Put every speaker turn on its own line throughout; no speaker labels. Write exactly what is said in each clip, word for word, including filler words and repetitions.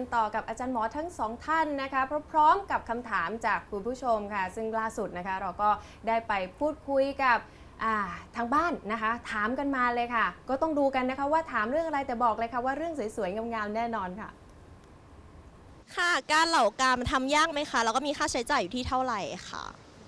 กันต่อกับอาจารย์หมอทั้งสองท่านนะคะพร้อมๆกับคำถามจากคุณผู้ชมค่ะซึ่งล่าสุดนะคะเราก็ได้ไปพูดคุยกับทางบ้านนะคะถามกันมาเลยค่ะก็ต้องดูกันนะคะว่าถามเรื่องอะไรแต่บอกเลยค่ะว่าเรื่องสวยๆงามๆแน่นอนค่ะ
ค่ะการเหล่ากามทำยากไหมคะแล้วก็มีค่าใช้จ่ายอยู่ที่เท่าไหร่ค่ะ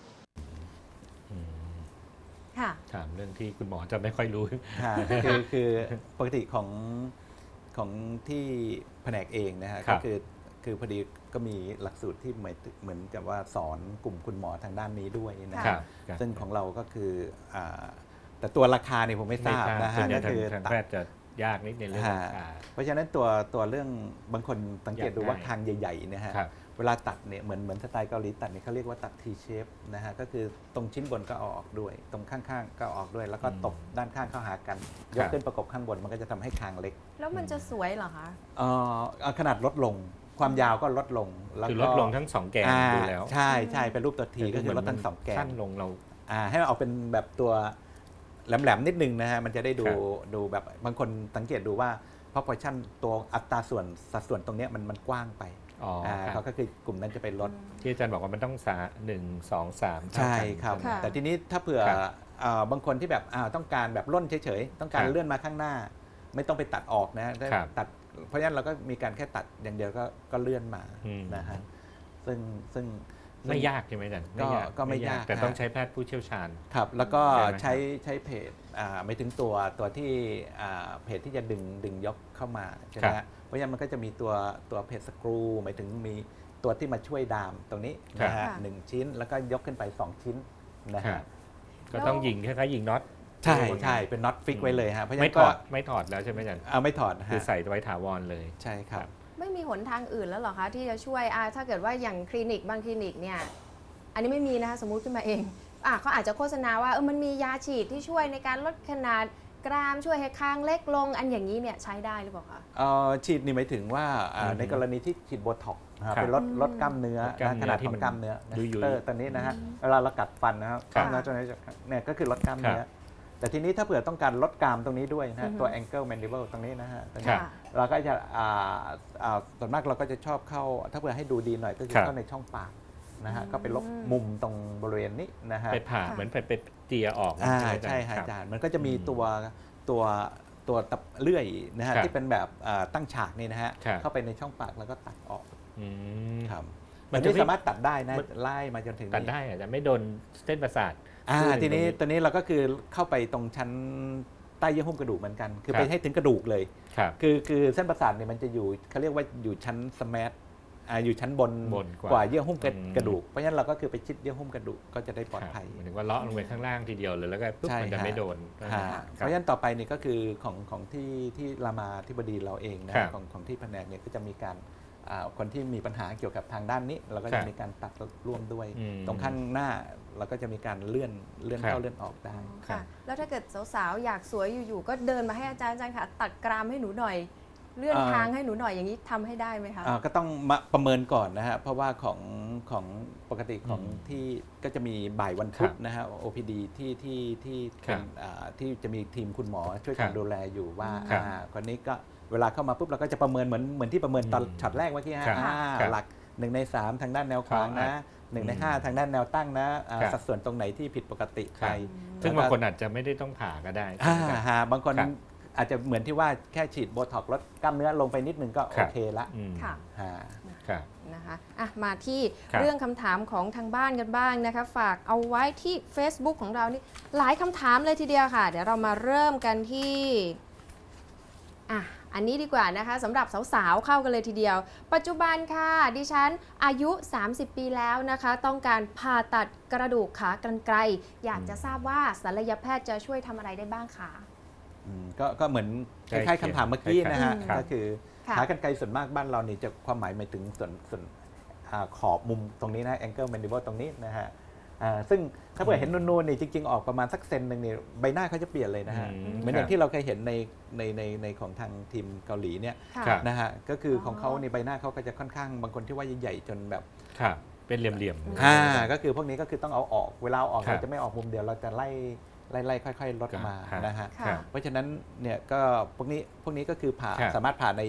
ถามเรื่องที่คุณหมอจะไม่ค่อยรู้
คือคือปกติของของที่แผนกเองนะฮะก็คือคือพอดีก็มีหลักสูตรที่เหมือนเหมือนกับว่าสอนกลุ่มคุณหมอทางด้านนี้ด้วยนะครับซึ่งของเราก็คือแต่ตัวราคาเนี่ยผมไม่ทราบนะฮะก็คือ
ทางแพทย์จะยากนิดในเรื่องราคา
เพราะฉะนั้นตัวตัวเรื่องบางคนสังเกตดูว่าคางใหญ่ๆนะฮะเวลาตัดเนี่ยเหมือนเหมือนสไตล์เกาหลีตัดเนี่ยเขาเรียกว่าตัด T shape นะฮะก็คือตรงชิ้นบนก็เอาออกด้วยตรงข้างๆก็ออกด้วยแล้วก็ตบด้านข้างเข้าหากันยกขึ้นประกบข้างบนมันก็จะทำให้คางเล็ก
แล้วมันจะสวยเหรอคะ
เอ่อขนาดลดลงความยาวก็ลดลง
คือลดลงทั้งสองแกนดูแล้ว
ใช่ใช่เป็นรูปตัวทีก็คือลดทั้งสองแกน
สั้นลงเรา
ให้มันออกเป็นแบบตัวแหลมๆนิดนึงนะฮะมันจะได้ดูดูแบบบางคนสังเกตดูว่าproportion ตัวอัตราส่วนสัดส่วนตรงนี้มันมันกว้างไปเขาก็คือกลุ่มนั้นจะไปลด
ที่อาจารย์บอกว่ามันต้องสาหนึ่งสองสาม
ใช่ครับแต่ทีนี้ถ้าเผื่อบางคนที่แบบต้องการแบบล่นเฉยๆต้องการเลื่อนมาข้างหน้าไม่ต้องไปตัดออกนะตัดเพราะฉะนั้นเราก็มีการแค่ตัดอย่างเดียวก็ก็เลื่อนมานะฮะซึ่งซึ่ง
ไม่ยากใช่ไหมอาจารย์
ก็ไม่ยาก
แต่ต้องใช้แพทย์ผู้เชี่ยวชาญ
ครับแล้วก็ใช้ใช้เพจไม่ถึงตัวตัวที่เพจที่จะดึงดึงยกเข้ามาใช่ไหมเพราะฉะนั้นมันก็จะมีตัวตัวเพจสกรูหมายถึงมีตัวที่มาช่วยดามตรงนี้นะฮะหนึ่งชิ้นแล้วก็ยกขึ้นไปสองชิ้นนะฮะ
ก็ต้องยิงคล้ายๆยิงน็อต
ใช่ใช่เป็นน็อตฟิกไว้เลยฮะ
เพราะฉะนั้นไม่ถอดไม่ถอดแล้วใช่ไหมอาจารย์
เอาไม่ถอด
คือใส่ไว้ถาวรเลย
ใช่ครับ
ไม่มีหนทางอื่นแล้วหรอคะที่จะช่วยถ้าเกิดว่าอย่างคลินิกบางคลินิกเนี่ยอันนี้ไม่มีนะคะสมมุติขึ้นมาเองอ่ะเขาอาจจะโฆษณาว่าเออมันมียาฉีดที่ช่วยในการลดขนาดกรามช่วยให้คางเล็กลงอันอย่างนี้เนี่ยใช้ได้หรือเปล่าคะ
ฉีดนี่หมายถึงว่าในกรณีที่ฉีดโบท็อกซ์เป็นลดลดกล้ามเนื้อขนาดของกล้ามเนื้อเตอร์ตอนนี้นะฮะเวลาเรากัดฟันนะครับกล้ามเนื้อตัวนี้เนี่ยก็คือลดกล้ามเนื้อแต่ทีนี้ถ้าเผื่อต้องการลดกรามตรงนี้ด้วยนะตัว angle mandible ตรงนี้นะฮะเราก็จะส่วนมากเราก็จะชอบเข้าถ้าเผื่อให้ดูดีหน่อยก็คือเข้าในช่องปากนะฮะก็ไปลบมุมตรงบริเวณนี้นะฮะ
ไปผ่าเหมือนไปไปเจียออก
ใช่ใช่อาจารย์มันก็จะมีตัวตัวตัวตับเลื่อยนะฮะที่เป็นแบบตั้งฉากนี่นะฮะเข้าไปในช่องปากแล้วก็ตัดออกครับมันจะสามารถตัดได้นะไล่มาจนถึง
ตัดได้อาจจะไม่โดนเส้นประสาท
ทีนี้ตัวนี้เราก็คือเข้าไปตรงชั้นใต้เยื่อหุ้มกระดูกเหมือนกันคือไปให้ถึงกระดูกเลยคือคือเส้นประสาทเนี่ยมันจะอยู่เขาเรียกว่าอยู่ชั้นสมาร์ทอยู่ชั้นบนกว่าเยื่อหุ้มกระดูกเพราะฉะนั้นเราก็คือไปชิดเยื่อหุ้มกระดูกก็จะได้ปลอดภัย
หมายถึงว่าเลาะลงไปข้างล่างทีเดียวเลยแล้วก็ปุ๊บมันจะไม่โดน
เพราะฉะนั้นต่อไปนี่ก็คือของของที่ที่รามาธิบดีเราเองนะของของที่แผนกเนี่ยก็จะมีการคนที่มีปัญหาเกี่ยวกับทางด้านนี้เราก็จะมีการตัดร่วมด้วยตรงข้างหน้าเราก็จะมีการเลื่อนเลื่อนเข้าเลื่อนออกได้
ค่ะแล้วถ้าเกิดสาวๆอยากสวยอยู่ๆก็เดินมาให้อาจารย์อาจารย์ค่ะตัดกรามให้หนูหน่อยเลื่อนทางให้หนูหน่อยอย่างนี้ทำให้ได้ไหมคะ
ก็ต้องมาประเมินก่อนนะฮะเพราะว่าของของปกติของที่ก็จะมีบ่ายวันพุธนะฮะ โอ พี ดี ที่ที่ที่เป็นที่จะมีทีมคุณหมอช่วยกันดูแลอยู่ว่าคนนี้ก็เวลาเข้ามาปุ๊บเราก็จะประเมินเหมือนเหมือนที่ประเมินตอนช็อตแรกเมื่อกี้ฮะหลักหนึ่งในสามทางด้านแนวขวางนะหนึ่งในห้าทางด้านแนวตั้งนะสัดส่วนตรงไหนที่ผิดปกติไป
ซึ่งบางคนอาจจะไม่ได้ต้องผ่าก็ได้
บางคนอาจจะเหมือนที่ว่าแค่ฉีดโบท็อกซ์ลดกล้ามเนื้อลงไปนิดนึงก็โอเคละ
ค่ะนะคะอ่ะมาที่เรื่องคำถามของทางบ้านกันบ้างนะคะฝากเอาไว้ที่ Facebook ของเรานี่หลายคำถามเลยทีเดียวค่ะเดี๋ยวเรามาเริ่มกันที่อ่ะอันนี้ดีกว่านะคะสำหรับสาวๆเข้ากันเลยทีเดียวปัจจุบันค่ะดิฉันอายุสามสิบปีแล้วนะคะต้องการผ่าตัดกระดูกขากรรไกรอยากจะทราบว่าศัลยแพทย์จะช่วยทำอะไรได้บ้างคะ
ก็ก็เหมือนคล้ายๆคำถามเมื่อกี้นะฮะก็คือขากรรไกรส่วนมากบ้านเรานี่จะความหมายหมายถึงส่วนส่วนขอบมุมตรงนี้นะ angle mandible ตรงนี้นะฮะซึ่งถ้าเกิดเห็นนูนๆนี่จริงๆออกประมาณสักเซนหนึ่งนี่ใบหน้าเขาจะเปลี่ยนเลยนะฮะเหมือนอย่างที่เราเคยเห็นในในในในของทางทีมเกาหลีเนี่ยนะฮะก็คือของเขาในใบหน้าเขาก็จะค่อนข้างบางคนที่ว่าใหญ่ๆจนแบบ
เป็นเหลี่ยม
ๆอ่าก็คือพวกนี้ก็คือต้องเอาออกเวลาเอาออกเราจะไม่ออกมุมเดียวเราจะไล่ไล่ๆค่อยๆลดมานะฮะเพราะฉะนั้นเนี่ยก็พวกนี้พวกนี้ก็คือผ่าสามารถผ่าใน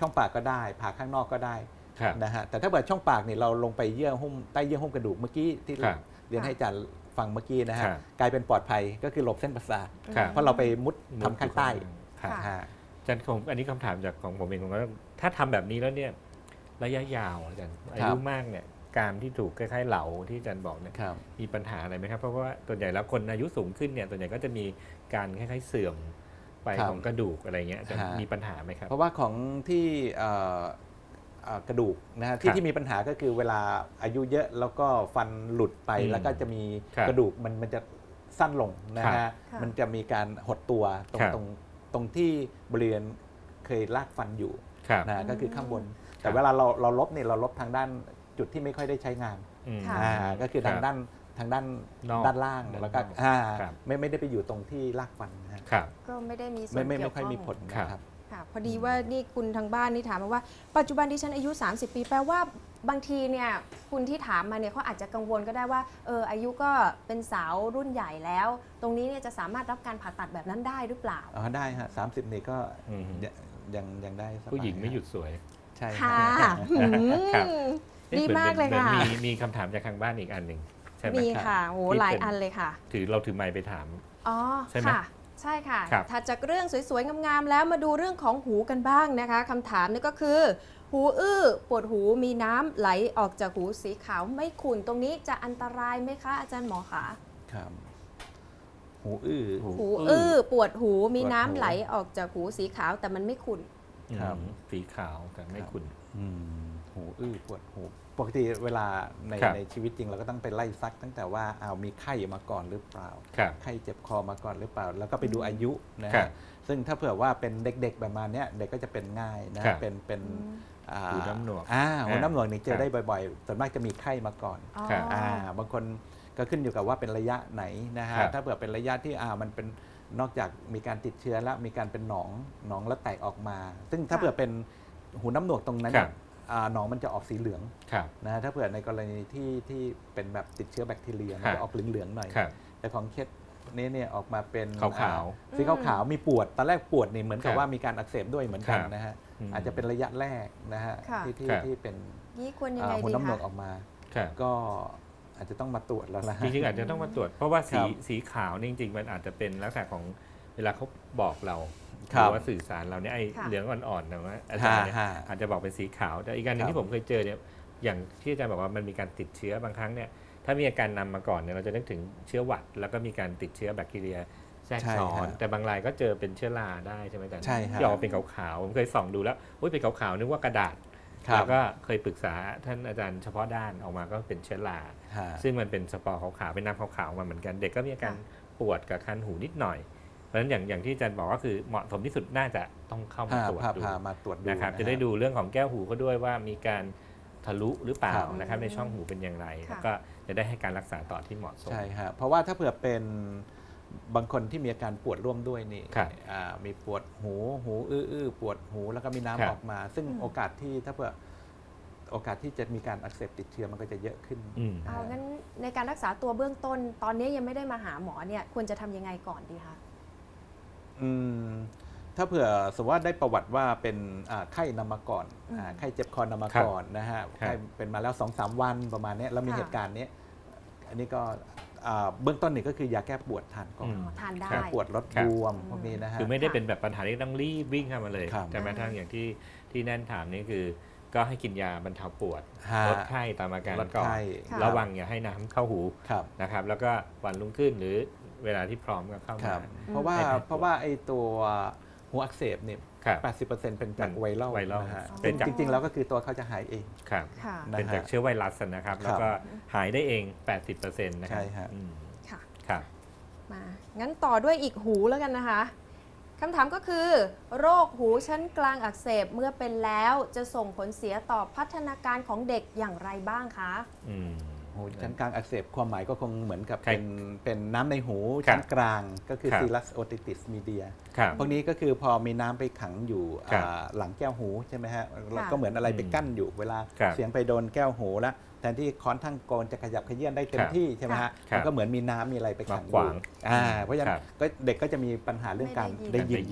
ช่องปากก็ได้ผ่าข้างนอกก็ได้
ครับ
นะฮะแต่ถ้าเกิดช่องปากเนี่ยเราลงไปเยื่อหุ้มใต้เยื่อหุ้มกระดูกเมื่อกี้ที่
ครับ
เรียนให้อาจารย์ฟังเมื่อกี้นะฮะ
ครับ
กลายเป็นปลอดภัยก็คือหลบเส้นประสาท
ครับ
เพราะเราไปมุดทำข้างใต้
ครับ
ค่ะ
ฮะ
อาจารย์ผมอันนี้คำถามจากของผมเองผมว่าถ้าทำแบบนี้แล้วเนี่ยระยะยาวอาจารย์อายุมากเนี่ยกรามที่ถูกคล้ายๆเหลาที่อาจารย์บอกเนี่ย
ครับ
มีปัญหาอะไรไหมครับเพราะว่าส่วนใหญ่แล้วคนอายุสูงขึ้นเนี่ยส่วนใหญ่ก็จะมีการคล้ายๆเสื่อมไป
ครับ
ของกระดูกอะไรเงี้ยจะ
ฮะ
มีปัญหาไหมครับ
เพราะว่าของที่เอ่อเอ่อกระดูกนะฮะ
ค
ที่
รับ
ที่มีปัญหาก็คือเวลาอายุเยอะแล้วก็ฟันหลุดไป
อืม
แล้วก็จะมี
ครับ
กระดูกมันมันจะสั้นลงนะ
ครั
ฮะ
บ
ค่ะ
มันจะมีการหดตัวตรง
ครับ
ตรงตรงที่บริเวณเคยลากฟันอยู่
ครับ
นะฮะก็คือข้างบน
ครั
แต่
บ
เวลาเราเราลบเนี่ยเราลบทางด้านจุดที่ไม่ค่อยได้ใช้งาน
อืม
ค่ะ
อ่าก็คือทาง
ครับ
ด้านทางด้าน
นอก
ด้านล่าง
ด้าน
แล้วก็
นอก
อ่า
ครับ
ไม่ไม่ได้ไปอยู่ตรงที่ลากฟันนะฮะ
ครับ
ก็ไม่ได้มีส่ว
ไม่
น
ไม่
เกี่
ไม่
ยว
ค่อย
ข้อง
มีผลนะครับ
ค่ะพอดีว่านี่คุณทางบ้านนี่ถามมาว่าปัจจุบันดิฉันอายุ สามสิบ ปีแปลว่าบางทีเนี่ยคุณที่ถามมาเนี่ยเขาอาจจะกังวลก็ได้ว่าเอออายุก็เป็นสาวรุ่นใหญ่แล้ว ตรงนี้เนี่ยจะสามารถรับการผ่าตัดแบบนั้นได้หรือเปล่า
อ๋อได้ฮะสามสิบนี่ก็
อืม
ยังยังยังได้สบาย
ผู้หญิงไม่หยุดสวย
ใช่
ค่ะ
ฮะ
หืม
ครับ
ดีมากเลย
หมือน
ค่ะ
หมือนมีมีคำถามจากทางบ้านอีกอันหนึ่งใช่ไหม
มี
ครับ
ค่ะโอ้
ที่
หลาย
เป็น
อันเลยค่ะ
ถือเราถือไมค์ไปถาม
อ๋อ
ใช่ไหม
ค่ะ ใช่ค่ะ
ครับ
ถัดจากเรื่องสวยๆ งามๆ แล้วมาดูเรื่องของหูกันบ้างนะคะคำถามนี่ก็คือ หูอื้อปวดหูมีน้ำไหลออกจากหูสีขาวไม่ขุ่นตรงนี้จะอันตรายไหมคะ อาจารย์หมอคะ
ครับ หูอื้อ
หู
หูอื้อปวดหูมี
ปวดหู
น้ำไหลออกจากหูสีขาวแต่มันไม่ขุ่น
ครับ
อืมสีขาวแต่ไม่ขุ่น
อืมหูอื้อปวดหูปกติเวลาใน
ครับ
ในชีวิตจริงเราก็ต้องไปไล่ซักตั้งแต่ว่าเอาวมีไข้มาก่อนหรือเปล่า
ครับ
ไข้เจ็บคอมาก่อนหรือเปล่า แล้วก็ไปดูอายุนะ
ครั
ฮะ
บ
ซึ่งถ้าเผื่อว่าเป็นเด็กๆประมาณเนี้ยเด็กก็จะเป็นง่ายนะครับ เป็นเป็นอ่า
หูน้ำหนวก
อ่าหูน้ำหนวกนี่เจ
ครั
อบ ได้บ่อยๆส่วนมากจะมีไข้มาก่อน
อ๋อ
ครับ
อ่าบางคนก็ขึ้นอยู่กับว่าเป็นระยะไหนนะฮะ
ครับ
ถ้าเผื่อเป็นระยะที่อ่ามันเป็นนอกจากมีการติดเชื้อแล้วมีการเป็นหนองหนองแล้วแตกออกมา ซึ่งถ้า
ค่ะ
เผื่อเป็นหูน้ำหนวกตรงนั้น
ครั
เนี่ย
บ
อ่าหนองมันจะออกสีเหลือง
ครับ
นะฮะถ้าเผื่อในกรณีที่ที่เป็นแบบติดเชื้อแบคทีเรียมัน
ครั
จะ
บ
ออกเหลืองๆหน่อย
ครับ
แต่ของเคสนี้เนี่ยออกมาเป็น
ขาวๆ
อ่สีขาวๆมีปวดตอนแรกปวดนี่เหมือนกับ
ครับ
ว่ามีการอักเสบด้วยเหมือนกัน
ครับ
นะฮะ
ม
อาจจะเป็นระยะแรกนะฮะ
ค่ะ
ที่ที่
ครับ
ที่เป็น
นี่ควรยัง
อ่า
ไง
หู
ดี
น้ำหนว
คะ
กออกมา
ครับ
ก็อาจจะต้องมาตรวจแล้วนะ
จริงๆอาจจะต้องมาตรวจ เพราะว่าสี
ครับ
สีขาวนี่จริงๆมันอาจจะเป็นลักษณะของเวลาเขาบอกเราห
ครั
รื
บ
อว่าสื่อสารเราเนี่ยไอ้
ค่ะ
เหลืองอ่อนๆนะว่าอาจารย์เนี่ย
ฮะ
อาจจะบอกเป็นสีขาวแต่อีกการหนึง
ครับ
ที่ผมเคยเจอเนี่ยอย่างที่อาจารย์บอกว่ามันมีการติดเชื้อบางครั้งเนี่ยถ้ามีอาการนำมาก่อนเนี่ยเราจะนึกถึงเชื้อหวัด แล้วก็มีการติดเชื้อแบคทีเรียแทรกซ้อนแต่บางรายก็เจอเป็นเชื้อราได้ใช่ไหมอาจารย์
ใช่ฮะ
ที่ออกมาเป็นขาวๆผมเคยส่องดูแล้วอุ้ยเป็นขาวๆนึกว่ากระดาษ
ครับ
แล้วก็เคยปรึกษาท่านอาจารย์เฉพาะด้านออกมาก็เป็นเชื้อรา
ฮะ
ซึ่งมันเป็นสปอร์ขาวๆเป็นน้ำขาวๆมาเหมือนกัน เด็กก็มีอาการปวดกับคันหูนิดหน่อย เพราะฉะนั้นอย่างอย่างที่อาจารย์บอกก็คือเหมาะสมที่สุดน่าจะต้องเข้ามา
พา
ตรวจ
พา
ดู
พามาตรวจดู
นะครับ
ฮ
จะได้ดูเรื่องของแก้วหูก็ด้วยว่ามีการทะลุหรือเปล่า
ครับ
นะครับในช่องหูเป็นอย่างไร
ค่ะ
แล้วก็จะได้ให้การรักษาต่อที่เหมาะสม
ใช่ฮะเพราะว่าถ้าเผื่อเป็นบางคนที่มีอาการปวดร่วมด้วยนี่
ครับ
อ่ามีปวดหูหูอื้อๆปวดหูแล้วก็มี
ครั
น้ำ
บ
ออกมา ซึ่ง
อืม
โอกาสที่ถ้าเผื่อโอกาสที่จะมีการอักเสบติดเชื้อมันก็จะเยอะขึ้น
อืม
เอางั้นในการรักษาตัวเบื้องต้น ตอนนี้ยังไม่ได้มาหาหมอเนี่ยควรจะทำยังไงก่อนดีคะ
อืมถ้าเผื่อสมมติว่าได้ประวัติว่าเป็นอ่าไข้นำมาก่อน
อืม
อ่าไข้เจ็บคอนำมา
ครับ
ก่อนนะฮะ
ครับ
ไข้เป็นมาแล้วสองสามวันประมาณเนี้ยแล้วมี
ค่ะ
เหตุการณ์เนี้ยอันนี้ก็อ่าเบื้องต้นนี่ก็คือยาแก้ปวดทานก่อน
อ๋อทานได้
แก้ปวดลด
ครับ
บวมพวกนี้นะฮะ
คือไม่ได้เป็นแบบปัญหาที่ต้องรีบวิ่งเข้ามาเลย
ครับ
แต่แม้ทั้งอย่างที่ที่แน่นถามนี่คือ ก็ให้กินยาบรรเทาปวด
ฮะ
ลดไข้ตามอาการ
ลด
ก่อน
ไข้
ค่ะ
ระวังอย่าให้น้ำเข้าหู
ครับ
นะครับแล้วก็วันรุ่งขึ้นหรือเวลาที่พร้อมก็เข้า
ค
มา
รับเพราะว่า
ให้แพทย์
เพราะว่าไอ้ตัวหัวอักเสบเนี่ย
ครับ
แปดสิบเปอร์เซ็นต์เป็นจาก
มัน
ไวรัล
ไวรัล
นะฮะ
เป็นจาก
จริงๆ แล้วก็คือตัวเขาจะหายเอง
ครับ
ค่ะ
นะ
เป็นจากเชื้อไวรัสนะครับ แล้วก็หายได้เอง แปดสิบเปอร์เซ็นต์ นะครั
ใช่ฮะ
อืม
ค่ะ
ครับ
มา งั้นต่อด้วยอีกหูแล้วกันนะคะ คำถามก็คือ โรคหูชั้นกลางอักเสบเมื่อเป็นแล้วจะส่งผลเสียต่อพัฒนาการของเด็กอย่างไรบ้างคะ
อืม
หูชั้นกลางอักเสบความหมายก็คงเหมือนกับ
ใคร
เป็นเป็นน้ำในหู
ครับ
ชั้นกลางก็คือ
ครับ
ซีรัสโอติติสมีเดีย
ครับ
พวกนี้ก็คือพอมีน้ำไปขังอยู่
ครับ
อ่าหลังแก้วหูใช่ไหมฮะแล้ว
ค่ะ
ก็เหมือนอะไรไป
อืม
กั้นอยู่เวลา
ครับ
เสียงไปโดนแก้วหูแล้วแทนที่ค้อนทั้งโกนจะขยับขยื่นได้เต็
ค
ม
รับ
ที่ใช่ไหมฮะ
ครับ
มันก็เหมือนมีน้ำมีอะไรไปขังอ
มาขวา
ยู่
ง
อ่าเพราะฉะนั้
ครั
น
บ
ก็เด็กก็จะมีปัญหาเรื่องการ
ไม่ได้
ได้
ยิน
ยิน
ได้ยิน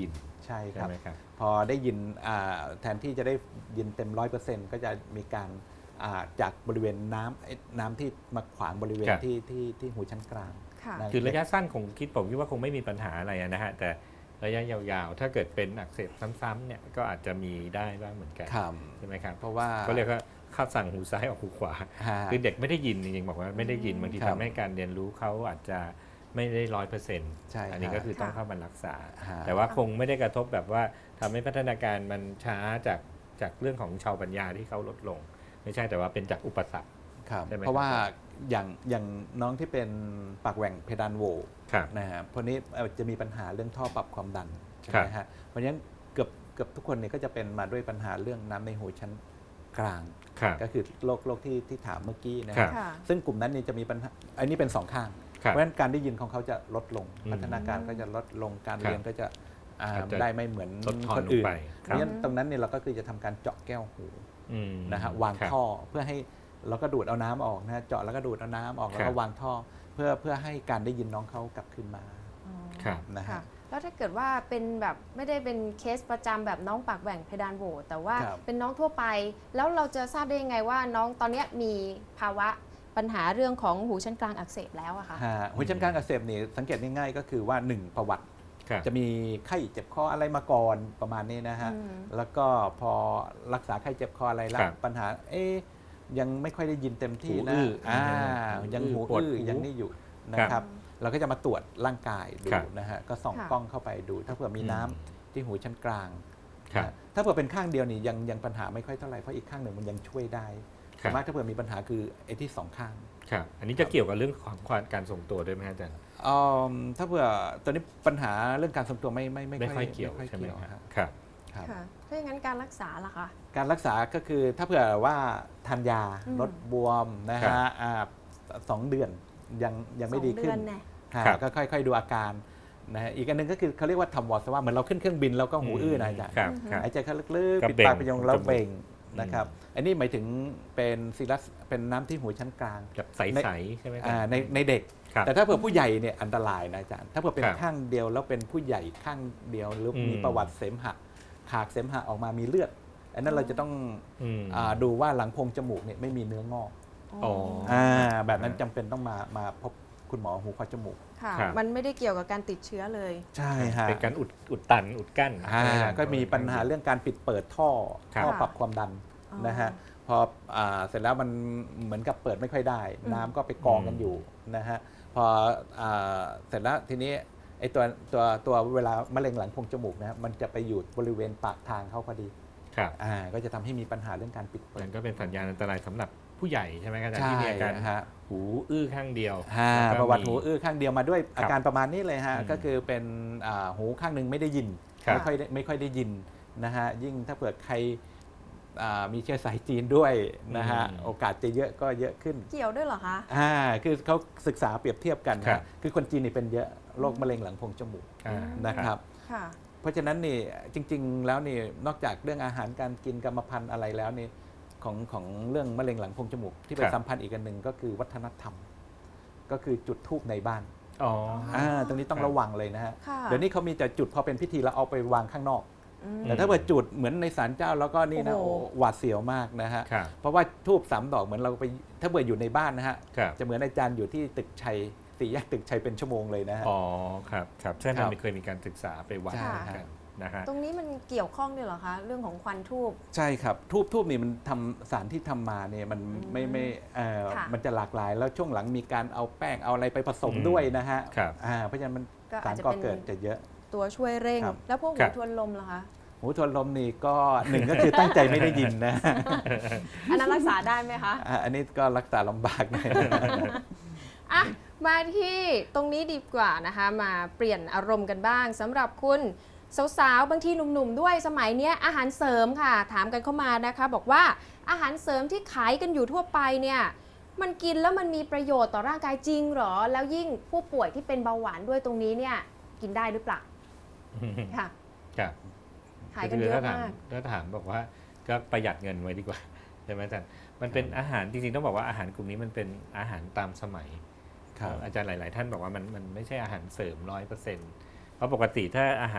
ใช่ค
ใช่
รับ
ไหมครับ
พอได้ยินอ่าแทนที่จะได้ยินเต็มร้อยเปอร์เซ็นต์ก็จะมีการอ่าจากบริเวณน้ำไอ้น้ำที่มาขวางบริเวณ
ครับ
ที่ที่ที่หูชั้นกลาง
ค่ะ
นะ
คือระยะสั้นคงคิดผมคิดว่าคงไม่มีปัญหาอะไรนะฮะแต่ระยะยาวๆ ถ้าเกิดเป็นอักเสบซ้ำๆเนี่ยก็อาจจะมีได้บ้างเหมือนกัน
ครับ
ใช่ไหมครับ
เพราะว่า
ก็เรียกว่าเข้าสั่งหูซ้ายออกหูขวา
ฮะ
คือเด็กไม่ได้ยินจริงๆบอกว่าไม่ได้ยินบางที
ครับ
ทำให้การเรียนรู้เขาอาจจะไม่ได้ร้อยเปอร์เซ็นต์
ใช่
อันนี้
ครับ
ก็คือต้อง
ค่ะ
เข้ามารักษา
ฮะ
แต่ว่าคงไม่ได้กระทบแบบว่าทำให้พัฒนาการมันช้าจากจากเรื่องของชาวปัญญาที่เขาลดลง ไม่ใช่แต่ว่าเป็นจากอุปสรรค
ครับ
ใช่ไหม
เพราะว่า
ครับ
อย่างอย่างน้องที่เป็นปากแหว่งเพดานโหว
ครับ
นะฮะพวกนี้เอ่อจะมีปัญหาเรื่องท่อปรับความดันใช่ไหม
ครับ
ฮะเพราะฉะนั้นเกือบเกือบทุกคนเนี่ยก็จะเป็นมาด้วยปัญหาเรื่องน้ำในหูชั้นกลาง
ครับ
ก็คือโรคโรคที่ที่ถามเมื่อกี้นะ
ครั
ฮะ
บ
ค่ะ
ซึ่งกลุ่มนั้นเนี่ยจะมีปัญหาอันนี้เป็นสองข้าง
ครับ
เพราะฉะนั้นการได้ยินของเขาจะลดลง
อืม
พัฒนาการก็จะลดลงการ
ครับ
เรียนก็จะอ่า
อาจจะ
ได้ไม่เหมือน
ลดทอน
คน
ลง
อื่น
ไป
เพ
ค
ราะ
รับ
ฉะนั้นตรงนั้นเนี่ยเราก็คือจะทำการเจาะแก้วหู
อืม
นะฮะวาง
ครับ
ท่อเพื่อให้เราก็ดูดเอาน้ำออกนะฮะเจาะแล้วก็ดูดเอาน้ำออกแล้ว
ครั
ก็
บ
วางท่อเพื่อเพื่อให้การได้ยินน้องเขากลับคืนมา
อ๋อ
ครับ
นะฮะ
ค่ะแล้วถ้าเกิดว่าเป็นแบบไม่ได้เป็นเคสประจำแบบน้องปากแหว่งเพดานโหวแต่ว่า
ครับ
เป็นน้องทั่วไป แล้วเราจะทราบได้ยังไงว่าน้องตอนเนี้ยมีภาวะปัญหาเรื่องของหูชั้นกลางอักเสบแล้วอะคะ
ฮะหูชั้นกลางอักเสบนี่สังเกตง่ายๆก็คือว่าหนึ่งประวัติ
ครับ
จะมีไข้เจ็บคออะไรมาก่อนประมาณนี้นะฮะ
อืม
แล้วก็พอรักษาไข้เจ็บคออะไรแล้ว
ครับ
ปัญหาเอ๊ยยังไม่ค่อยได้ยินเต็มที่
หู
นะ
อื้ออ่
อ่า
หู
ยังหู
ปวด
อื้อ
หู
ยังนี่อยู่นะ
ค
ค
รั
รับ บ เราก็จะมาตรวจร่างกายดู
ครับ
นะฮะก็ส่อง
ค่ะ
กล้องเข้าไปดู ถ้าเผื่อมี
อืม
น้ำที่หูชั้นกลาง
ครับ
นะถ้าเผื่อเป็นข้างเดียวนี่ยังยังปัญหาไม่ค่อยเท่าไหร่เพราะอีกข้างหนึ่งมันยังช่วยได้
ครั
ส่ว
บ
นมากถ้าเผื่อมีปัญหาคือไอ้ที่สองข้าง
ครับ อันนี้จะเกี่ยวกับเรื่องของความการทรงตัวด้วยไหมฮะอาจารย์
อืมถ้าเผื่อตอนนี้ปัญหาเรื่องการทรงตัวไม่ไม่ไม่
ไม่ค่อย
ไม่
เกี่ยว
ค่อย
ใช่ไหม
เกี่ยว
ครับ
ฮะ
ครับ
ครับ
ค่ะถ้าอย่างนั้นการรักษาล่ะคะ
การรักษาก็คือถ้าเผื่อว่าทานยา
อืม
ลดบวมนะ
ครั
ฮะ
บ
อ่าสองเดือนยังยังไม่ดีขึ้
สอน งเดือแน่
ฮะ
ครับ
ก็ค่อยๆดูอาการนะฮะอีกอันหนึงก็คือเขาเรียกว่าทำวอร์สว่าเหมือนเราขึ้นเครื่องบินแล้วก็หูอื้อนะอาจารย์
ครับครับ
หายใจเข้าลึก
ก็
ๆปิด
เบ่ง
ปากไปยงแล้ว
จมูก
เบ่งนะครับอันนี้หมายถึงเป็นซีรัสเป็นน้ำที่หูชั้นกลาง
แบบใสๆใช่ไหมครั
อ่าในในเด็ก
ครับ
แต่ถ้าเผื่อผู้ใหญ่เนี่ยอันตรายนะอาจารย์ถ้าเผื่อเป็น
ครับ
ข้างเดียวแล้วเป็นผู้ใหญ่ข้างเดียวหรืออ
ม
มีประวัติเสมหะขากเสมหะออกมามีเลือด อันนั้นเราจะต้อง
อืม
อาดูว่าหลังโพรงจมูกเนี่ยไม่มีเนื้องอก
อ๋อ
อ่าแบบนั้นจำเป็นต้องมามาพบคุณหมอหูคอจมูก
ค่ะ
ครับ
มันไม่ได้เกี่ยวกับการติดเชื้อเลย
ใช่ฮะ
เป็นการอุดอุดตันอุดกั้น
อ่า
ใช่ไหครับ
ก็มีปัญหาเรื่องการปิดเปิดท่อ
ครับ
ท่อปรับความดัน
อ๋อ
นะฮะพออ่าเสร็จแล้วมันเหมือนกับเปิดไม่ค่อยได้
อืม
น้ำก็ไปกองกันอยู่นะฮะพออ่าเสร็จแล้วทีนี้ไอ้ตัวตัวตัวเวลามะเร็งหลังโพรงจมูกนะฮะมันจะไปอยู่บริเวณปากทางเขาพอดี
ครับ
อ่าก็จะทำให้มีปัญหาเรื่องการปิดเปิ
มั
ด
นก็เป็นสัญญาณอันตรายสำหรับผู้ใหญ่ใช่ไหมครับอาจารย์
ใช่
ที่มีอาการ
ฮะ
หูอื้อข้างเดียว
ฮะ
แล้ก็
ประวัติ
มี
หูอื้อข้างเดียวมาด้วย
ครับ
อาการประมาณนี้เลยฮะ
อืม
ก็คือเป็นอ่าหูข้างหนึ่งไม่ได้ยิน
ครับ
ไม่ค่อยได้ไม่ค่อยได้ยินนะฮะยิ่งถ้าเผื่อใครอ่ามีเชื้อสายจีนด้วยนะฮะ
อืม
โอกาสจะเยอะก็เยอะขึ้น
เกี่ยวด้วยเหรอคะ
อ่าคือเขาศึกษาเปรียบเทียบกัน
ครั
ฮะ
บ
คือคนจีนนี่เป็นเยอะโรคมะเร็งหลังโพรงจมูก
อ่า
นะครับ
ค่ะ
เพราะฉะนั้นนี่จริง ๆ แล้วนี่นอกจากเรื่องอาหารการกินกรรมพันธุ์อะไรแล้วนี่ของของเรื่องมะเร็งหลังโพรงจมูก ที่ไป
ครับ
สัมพันธ์อีกอันหนึ่งก็คือวัฒนธรรม ก็คือจุดธูปในบ้าน
อ๋อ
อ่าตรงนี้ต้อง
ครับ
ระวังเลยนะฮะ
ค่ะ
เดี๋ยวนี้เขามีแต่จุดพอเป็นพิธีแล้วเอาไปวางข้างนอก
อืม
แต่ถ้าเกิดจุดเหมือนในศาลเจ้าแล้วก็นี่นะ
โอ้โห
โอ้หวาดเสียวมากนะฮะ
ครับ
เพราะว่าทูบสามดอกเหมือนเราไปถ้าเกิดอยู่ในบ้านนะฮะ
ครับ
จะเหมือนอาจารย์อยู่ที่ตึกชัยสี่แยกตึกชัยเป็นชั่วโมงเลยนะฮะ
อ๋อครับครับใช่
ครั
มัน
บ
เคยมีการศึกษาไปวัด
ใช่
เหมือนกันนะฮะ
ตรงนี้มันเกี่ยวข้องด้วยเหรอคะ เรื่องของควันทูบ
ใช่ครับทูบทูบนี่มันทำสารที่ทำมาเนี่ยมันไม่ไม่เอ่อ
ค่ะ
มันจะหลากหลาย แล้วช่วงหลังมีการเอาแป้งเอาอะไรไปผสม
อืม
ด้วยนะฮะ
ครับ
อ่าเพราะฉะนั้นมัน
ก็
สา
อาจ
ร
จะ
ก่อ
เป็น
เกิดจะเยอะ
ตัวช่วยเร่ง
ครับ
แล้วพวก
ครั
หู
บ
ทวนลมล่ะคะ
หูทวนลมนี่ก็ หนึ่งก็คือตั้งใจไม่ได้ยินนะ
อันนั้นรักษาได้ไหมคะ
อ่ะอันนี้ก็รักษาลำบากหน่อย
อ่ะมาที่ตรงนี้ดีกว่านะคะ มาเปลี่ยนอารมณ์กันบ้างสำหรับคุณสาวๆบางทีหนุ่มๆด้วยสมัยเนี้ยอาหารเสริมค่ะ ถามกันเข้ามานะคะ บอกว่าอาหารเสริมที่ขายกันอยู่ทั่วไปเนี่ยมันกินแล้วมันมีประโยชน์ต่อร่างกายจริงเหรอ แล้วยิ่งผู้ป่วยที่เป็นเบาหวานด้วยตรงนี้เนี่ยกินได้หรือเปล่าค่ะ
ครับ
ขายกันเยอะ
ถ้าถาม
มาก
ถ้าถามบอกว่าก็ประหยัดเงินไว้ดีกว่าใช่ไหมอาจารย์มันเป็นอาหารจริงๆต้องบอกว่าอาหารกลุ่มนี้มันเป็นอาหารตามสมัย
ครับ
อาจารย์หลาย ๆ ท่านบอกว่ามันมันไม่ใช่อาหารเสริมร้อยเปอร์เซ็นต์เพราะปกติถ้าอาหาร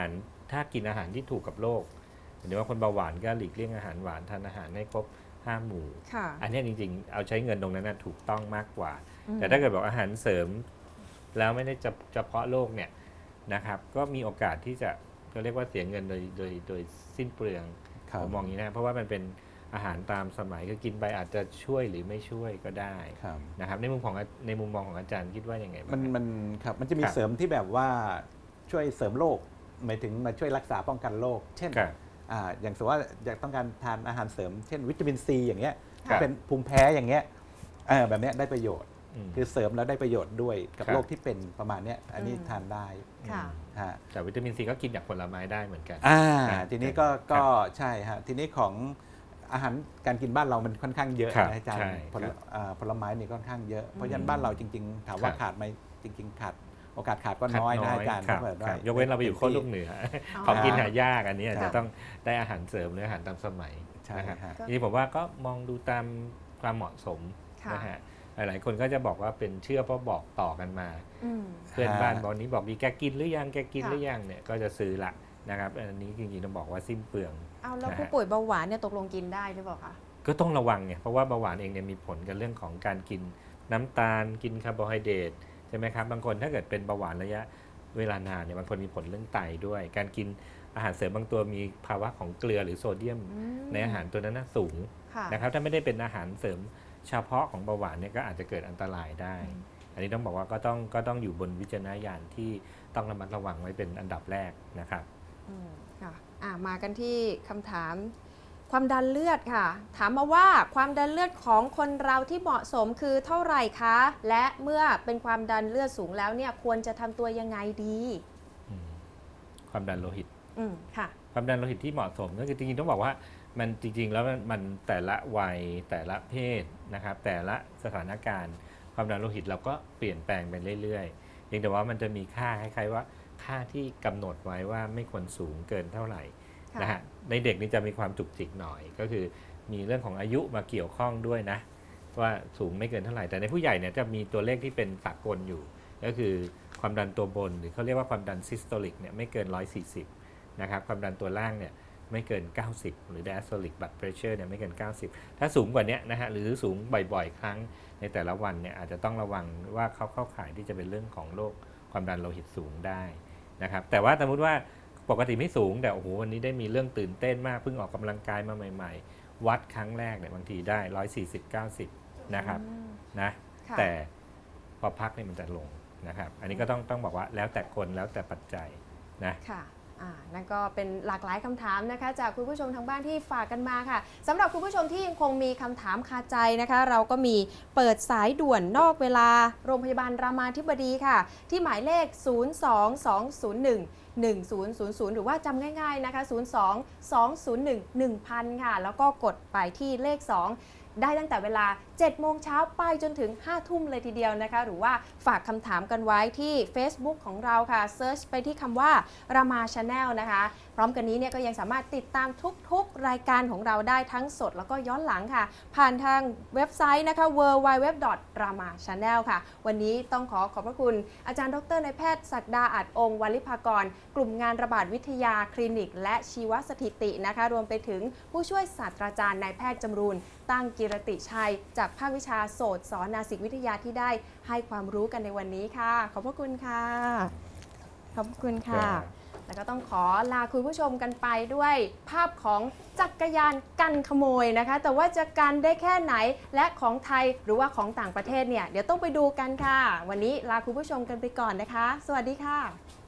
ถ้ากินอาหารที่ถูกกับโรคหรือว่าคนเบาหวานก็หลีกเลี่ยงอาหารหวานทานอาหารให้ครบห้าหมู่
ค่ะ
อันนี้จริงๆเอาใช้เงินตรงนั้นนะถูกต้องมากกว่า
อืม
แต่ถ้าเกิดบอกอาหารเสริมแล้วไม่ได้จะเฉพาะโรคเนี่ยนะครับก็มีโอกาสที่จะเขาเรียกว่าเสียเงินโดยโดยโดยสิ้นเปลือง
ครับ
ผมมองอย่างนี้นะเพราะว่ามันเป็นอาหารตามสมัยคือกินไปอาจจะช่วยหรือไม่ช่วยก็ได้
ครับ
นะครับในมุมของในมุมมองของอาจารย์คิดว่ายังไงบ้าง
มันมันครับมันจะมี
ครับ
เสริมที่แบบว่าช่วยเสริมโรคหมายถึงมาช่วยรักษาป้องกันโรคเช่น
ครับ
อ่าอย่างสมมติว่าอยากต้องการทานอาหารเสริม เช่นวิตามินซีอย่างเงี้ย
ครับ
เป็นภูมิแพ้อย่างเงี้ยเออแบบเนี้ยได้ประโยชน์
อืม
คือเสริมแล้วได้ประโยชน์ด้วยกับ
ครับ
โรคที่เป็นประมาณเนี้ยอันนี้
อืม
ทานได้
ค่ะ
ฮะ
แต่วิตามินซีก็กินจากผลไม้ได้เหมือนกัน
อ่า
ครับ
ทีนี้ก็
ครับ
ก็ใช่ฮะทีนี้ของอาหารการกินบ้านเรามันค่อนข้างเยอะ
ครับ
นะอาจาร
ใช่
ย์ผล
ครับ
อ่าผลไม้นี่ค่อนข้างเยอะ เพราะฉะนั้
อื
น
ม
บ้านเราจริง ๆ ถามว่า
ครับ
ขาดไหมจริง ๆ ขาดโอกาสขาดก็น้อยนะอาจารย์
ครับ
ถ้าเกิด
ค
ว่า
รับยกเว้นเราไปอยู่โค้นลูกเหนือ ของกินหายากอันนี้อาจ
ครั
จะ
บ
ต้องได้อาหารเสริมหรืออาหารตามสมัย
ใช่
นะครับ
ฮะ
ทีนี้ผมว่าก็มองดูตามความเหมาะสม
ค่ะ
นะฮะหลายๆคนก็จะบอกว่าเป็นเชื่อเพราะบอกต่อกันมา
อืม
เพื่อนบ้าน
ฮะ
บอกนี้บอกดีแกกินหรือยังแกกิน
ค่ะ
หรือยังเนี่ยก็จะซื้อละนะครับอันนี้จริงๆต้องบอกว่าสิ้นเปลือง
เอาแล้ว
นะฮะ
ผู้ป่วยเบาหวานเนี่ยตกลงกินได้หรือเปล่าคะ
ก็ต้องระวังเนี่ยเพราะว่าเบาหวานเองเนี่ยมีผลกับเรื่องของการกินน้ำตาลกินคาร์โบไฮเดรตใช่ไหมครับบางคนถ้าเกิดเป็นเบาหวานระยะเวลานานเนี่ยบางคนมีผลเรื่องไตด้วย การกินอาหารเสริมบางตัวมีภาวะของเกลือหรือโซเดียม
อืม
ในอาหารตัวนั้นนะสูง
ค่ะ
นะครับถ้าไม่ได้เป็นอาหารเสริมเฉพาะของเบาหวานเนี่ยก็อาจจะเกิดอันตรายได้
อืม
อันนี้ต้องบอกว่าก็ต้องก็ต้องอยู่บนวิจารณญาณที่ต้องระมัดระวังไว้เป็นอันดับแรกนะครับ
อืมค่ะอ่ะ มากันที่คำถามความดันเลือดค่ะ ถามมาว่าความดันเลือดของคนเราที่เหมาะสมคือเท่าไหร่คะ และเมื่อเป็นความดันเลือดสูงแล้วเนี่ยควรจะทำตัวยังไงดี
อืมความดันโลหิต
อืมค่ะ
ความดันโลหิตที่เหมาะสมก็คือจริงๆต้องบอกว่ามันจริงๆแล้วมันมันแต่ละวัยแต่ละเพศนะครับแต่ละสถานการณ์ความดันโลหิตเราก็เปลี่ยนแปลงไปเรื่อยๆเพียงแต่ว่ามันจะมีค่าคล้ายๆว่าค่าที่กำหนดไว้ว่าไม่ควรสูงเกินเท่าไหร่
ค่ะ
นะฮะในเด็กนี่จะมีความจุกจิกหน่อย ก็คือมีเรื่องของอายุมาเกี่ยวข้องด้วยนะว่าสูงไม่เกินเท่าไหร่แต่ในผู้ใหญ่เนี่ยจะมีตัวเลขที่เป็นสากลอยู่ ก็คือความดันตัวบนหรือเขาเรียกว่าความดันซิสโตลิกเนี่ยไม่เกินหนึ่งร้อยสี่สิบนะครับความดันตัวล่างเนี่ยไม่เกินเก้าสิบหรือ diastolic blood pressure เนี่ยไม่เกินเก้าสิบถ้าสูงกว่านี้นะฮะหรือสูงบ่อยๆ ครั้งในแต่ละวันเนี่ยอาจจะต้องระวังว่าเขาเข้าข่ายที่จะเป็นเรื่องของโรคความดันโลหิตสูงได้นะครับแต่ว่าสมมติว่าปกติไม่สูงแต่โอ้โหวันนี้ได้มีเรื่องตื่นเต้นมากเพิ่งออกกำลังกายมาใหม่ๆ วัดครั้งแรกเนี่ยบางทีได้หนึ่งร้อยสี่สิบ เก้าสิบนะครับ
อืม
นะ
ค่ะ
แต่พอพักเนี่ยมันจะลงนะครับอันนี้ก็ต้องต้องบอกว่าแล้วแต่คนแล้วแต่ปัจจัยนะ
ค่ะอ่านั่นก็เป็นหลากหลายคำถามนะคะ จากคุณผู้ชมทางบ้านที่ฝากกันมาค่ะสำหรับคุณผู้ชมที่ยังคงมีคำถามคาใจนะคะ เราก็มีเปิดสายด่วนนอกเวลาโรงพยาบาลรามาธิบดีค่ะ ที่หมายเลข ศูนย์ สอง สอง ศูนย์ หนึ่ง หนึ่ง ศูนย์ ศูนย์ ศูนย์ หรือว่าจำง่ายๆนะคะ ศูนย์ สอง สอง ศูนย์ หนึ่ง หนึ่งพัน ค่ะ แล้วก็กดไปที่เลข สอง ได้ตั้งแต่เวลา เจ็ดโมงเช้าไปจนถึง ห้าทุ่มเลยทีเดียวนะคะ หรือว่าฝากคำถามกันไว้ที่ Facebook ของเราค่ะเซิร์ชไปที่คำว่ารามา Channel นะคะ พร้อมกันนี้เนี่ยก็ยังสามารถติดตามทุกๆ รายการของเราได้ทั้งสดแล้วก็ย้อนหลังค่ะ ผ่านทางเว็บไซต์นะคะ ดับเบิลยู ดับเบิลยู ดับเบิลยู ดอท รามา ชาแนล ค่ะ วันนี้ต้องขอขอบพระคุณอาจารย์ดรนายแพทย์ศักดาอาจองค์วลิภากร กลุ่มงานระบาดวิทยาคลินิก และชีวสถิตินะคะ รวมไปถึงผู้ช่วยศาสตราจารย์นายแพทย์จำรูนตั้งกิรติชัย จากภาควิชาโสตสนาสิกวิทยาที่ได้ให้ความรู้กันในวันนี้ค่ะ ขอบพระคุณค่ะ ขอบพระคุณค่ะ แล้วก็ต้องขอลาคุณผู้ชมกันไปด้วยภาพของจักรยานกันขโมยนะคะ แต่ว่าจะกันได้แค่ไหนและของไทยหรือว่าของต่างประเทศเนี่ยเดี๋ยวต้องไปดูกันค่ะ วันนี้ลาคุณผู้ชมกันไปก่อนนะคะ สวัสดีค่ะ